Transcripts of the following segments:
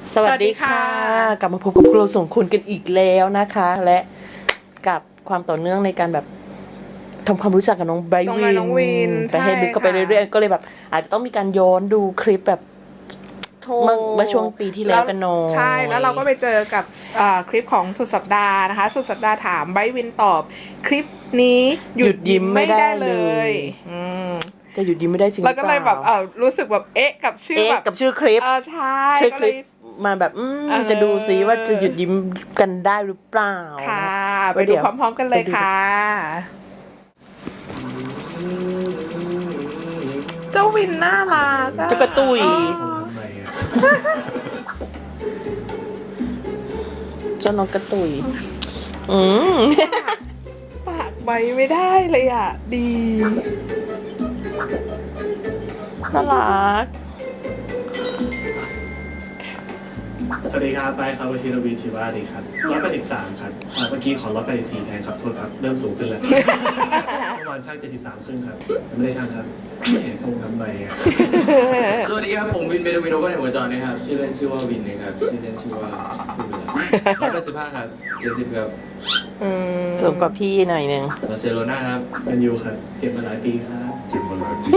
สวัสดีค่ะกลับมาพบกับพวกเราสองคนกันอีกแล้วนะคะ และกับความต่อเนื่องในการแบบทำความรู้จักกับน้องไบรท์วินไปให้ลึกเข้าไปเรื่อยๆก็เลยแบบอาจจะต้องมีการย้อนดูคลิปแบบเมื่อช่วงปีที่แล้วกันหน่อยใช่แล้วเราก็ไปเจอกับคลิปของสุดสัปดาห์นะคะสุดสัปดาห์ถามไบรท์วินตอบคลิปนี้หยุดยิ้มไม่ได้เลยจะหยุดยิ้มไม่ได้จริงแล้วก็เลยแบบรู้สึกแบบเอ๊ะกับชื่อแบบกับชื่อคลิปใช่ชื่อคลิปมาแบบจะดูซิว่าจะหยุดยิ้มกันได้หรือเปล่าค่ะไปดูพร้อมๆกันเลยค่ะเจ้าวินน่ารักจะกระตุยเจ้าน้องกระตุยปากใบไม่ได้เลยอ่ะดีน่ารักสวัสดีครับไปครับวชิรวีชีวาดีครับ183ครับเมื่อกี้ขอ184แทนครับโทษครับเริ่มสูงขึ้นแล้วเมื่อวานช่าง73ครึ่งครับแต่ไม่ได้ช่างครับไม่เห็นคงทำไมสวัสดีครับผมวินเมโดวิโนก็ในหัวจอนะครับชื่อเล่นชื่อว่าวินนะครับชื่อเล่นชื่อว่าคุณเวลา185ครับ70ครับสูงกว่าพี่หน่อยนึงบาร์เซโลนาครับแมนยูครับเจ็บมาหลายปีซะเจ็บมาหลายปี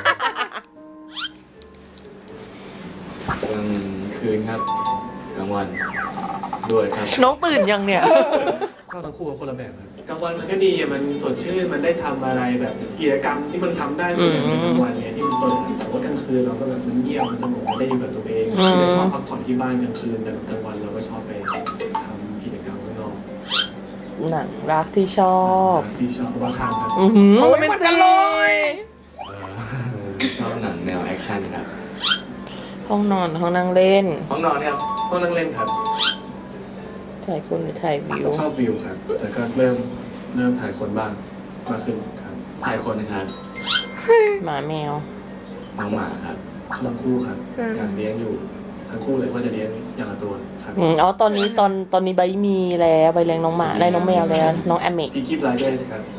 กลางคืนครับกลางวันด้วยครับน้องตื่นยังเนี่ยชอบทั้งคู่กับคนละแบบครับกลางวันมันก็ดีมันสดชื่นมันได้ทำอะไรแบบกิจกรรมที่มันทำได้ส่วนใหญ่ในกลางวันเนี่ยที่มันเปิดแต่ว่ากลางคืนเราก็แบบมันเงียบมันสงบมันได้อยู่กับตัวเองจะชอบพักผ่อนที่บ้านกลางคืนแต่กลางวันเราก็ชอบไปทำกิจกรรมข้างนอกหนังรักที่ชอบบางครั้งครับโอ้ยมันกันเลยชอบหนังแนวแอคชั่นครับห้องนอนห้องนั่งเล่นห้องนอนครับห้องนั่งเล่นครับถ่ายคนหรือถ่ายวิวชอบวิวครับแต่ก็เริ่มถ่ายคนบ้างมาขึ้นครับถ่ายคนนะครับหมาแมวน้องหมาครับทั้งคู่ครับอยากเลี้ยงอยู่ทั้งคู่เลยว่าจะเลี้ยงอย่างละตัวครับตอนนี้ใบมีแล้วใบเลี้ยงน้องหมาได้น้องแมวแล้วน้องแอมเมกพี่กิฟต์ไลเดอร์สครับ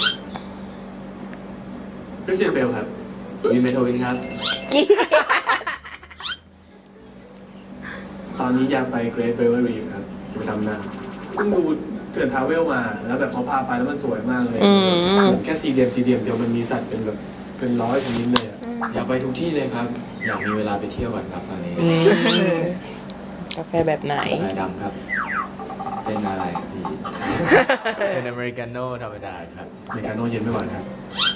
คริสเตียนเบลครับวินเมโทวินครับตอนนี้อยากไปเกรทเบลรีฟครับจะไปทำหน้าเพิ่งดูเถื่อนทาวเวลมาแล้วแบบเขาพาไปแล้วมันสวยมากเลยแค่ซีเดียมเดียวมันมีสัตว์เป็นแบบเป็น100ชนิดเลยอยากไปทุกที่เลยครับอยากมีเวลาไปเที่ยวก่อนครับตอนนี้กาแฟแบบไหนกาแฟดำครับเป็นอะไรครับพี่เป็นอเมริกาโน่ธรรมดาครับอเมริกาโน่เย็นไม่ไหวครับ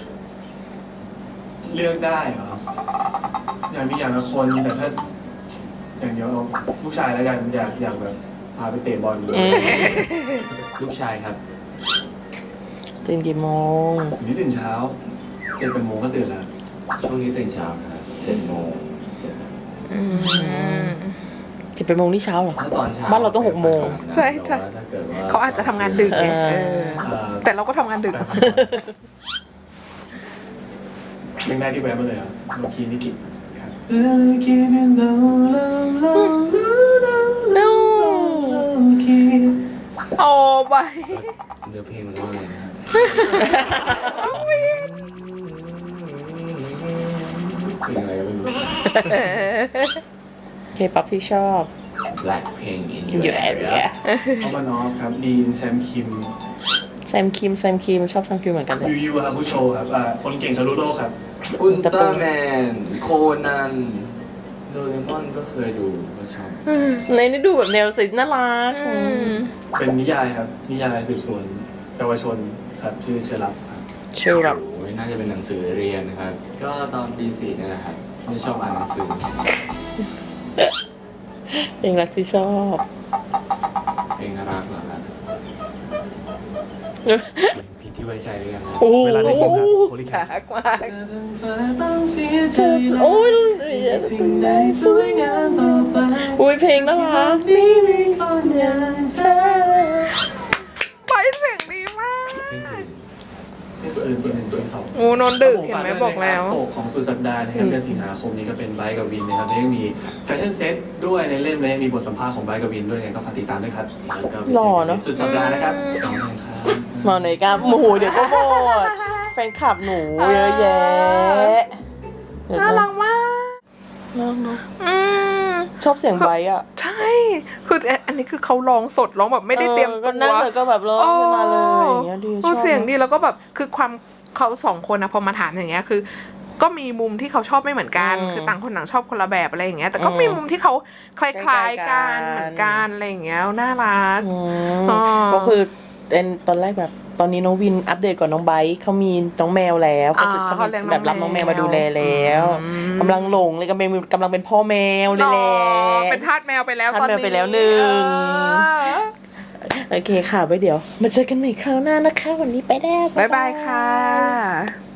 เลือกได้เหรออยากมีอย่างละคนแต่ถ้าอย่างเดียวเอาลูกชายแล้วกันอยากแบบพาไปเตะบอลลูกชายครับตื่นกี่โมงนี่ตื่นเช้า7 โมงก็ตื่นแล้วช่วงนี้ตื่นเช้านะครับ7 โมง 7 โมงนี่เช้าเหรอถ้าตอนเช้าบ้านเราต้อง6 โมงใช่เขาอาจจะทำงานดึกไงแต่เราก็ทำงานดึกเพลงแรกที่แวะมาเลยอ่ะโนคีนิกิครับโอ้ไปเดี๋ยวเพลงมันว่าอะไรนะครับเพลงอะไรก็ไม่รู้เคป๊อปที่ชอบ Blackpink in your area เอามานอฟครับดีนแซมคิมชอบแซมคิมเหมือนกันเลยยูฮาคุโชครับคนเก่งทะลุโลกครับอุลตร้าแมนโคนันโดเรมอนก็เคยดูก็ชอบในนี้ดูแบบแนวสิน่ารักเป็นนิยายครับนิยายสืบสวนเยาวชนครับชื่อเชลับครับเชลับโอ้ยน่าจะเป็นหนังสือเรียนนะครับก็ตอนปี 4นี่แหละครับไม่ชอบอ่านหนังสือเพลงรักที่ชอบเพลงรักเหรอครับผิดที่ไว้ใจหรือยังครับเวลาได้ยินครับโคลิแคทมากโอ้ยเพลงน่ารักไปเสียงดีมากคืนที่1 ที่ 2 โอ้นอนดึกเห็นไหมบอกแล้วโปกของสุดสัปดาห์นะครับเดือนสิงหาคมนี้ก็เป็นไบค์กับวินนะครับแล้วยังมีแฟชั่นเซ็ตด้วยในเล่มและยังมีบทสัมภาษณ์ของไบค์กับวินด้วยไงก็ฝากติดตามด้วยครับหล่อเนาะสุดสัปดาห์นะครับมาหน่อยครับหมูเดี๋ยวก็หมดแฟนคลับหนูเยอะแยะน่ารักมากชอบเสียงไบค์อ่ะใช่คืออันนี้คือเขาร้องสดร้องแบบไม่ได้เตรียมตัวก็นั่งเลยก็แบบร้องขึ้นมาเลยอย่างเงี้ยดีชอบเสียงดีแล้วก็แบบคือความเขาสองคนนะพอมาถามอย่างเงี้ยคือ ก็มีมุมที่เขาชอบไม่เหมือนกัน คือต่างคนต่างชอบคนละแบบอะไรอย่างเงี้ยแต่ก็มีมุมที่เขาคล้ายๆกันเหมือนกันอะไรอย่างเงี้ยน่ารักก็คือเป็นตอนแรกแบบตอนนี้น้องวินอัปเดตก่อนน้องไบร์ทเขามีน้องแมวแล้วก็คือเขาเขาเลี้ยงน้องแบบรับน้องแมวมาดูแลแล้วอืมกำลังหลงเลยกำลังเป็นพ่อแมวเลยแหละเป็นทาสแมวไปแล้วทาสตอนแมวนี้ไปแล้วหนึ่งเออโอเคค่ะไว้เดี๋ยว มาเจอกันใหม่คราวหน้านะคะ วันนี้ไปแล้วบ๊ายบายค่ะ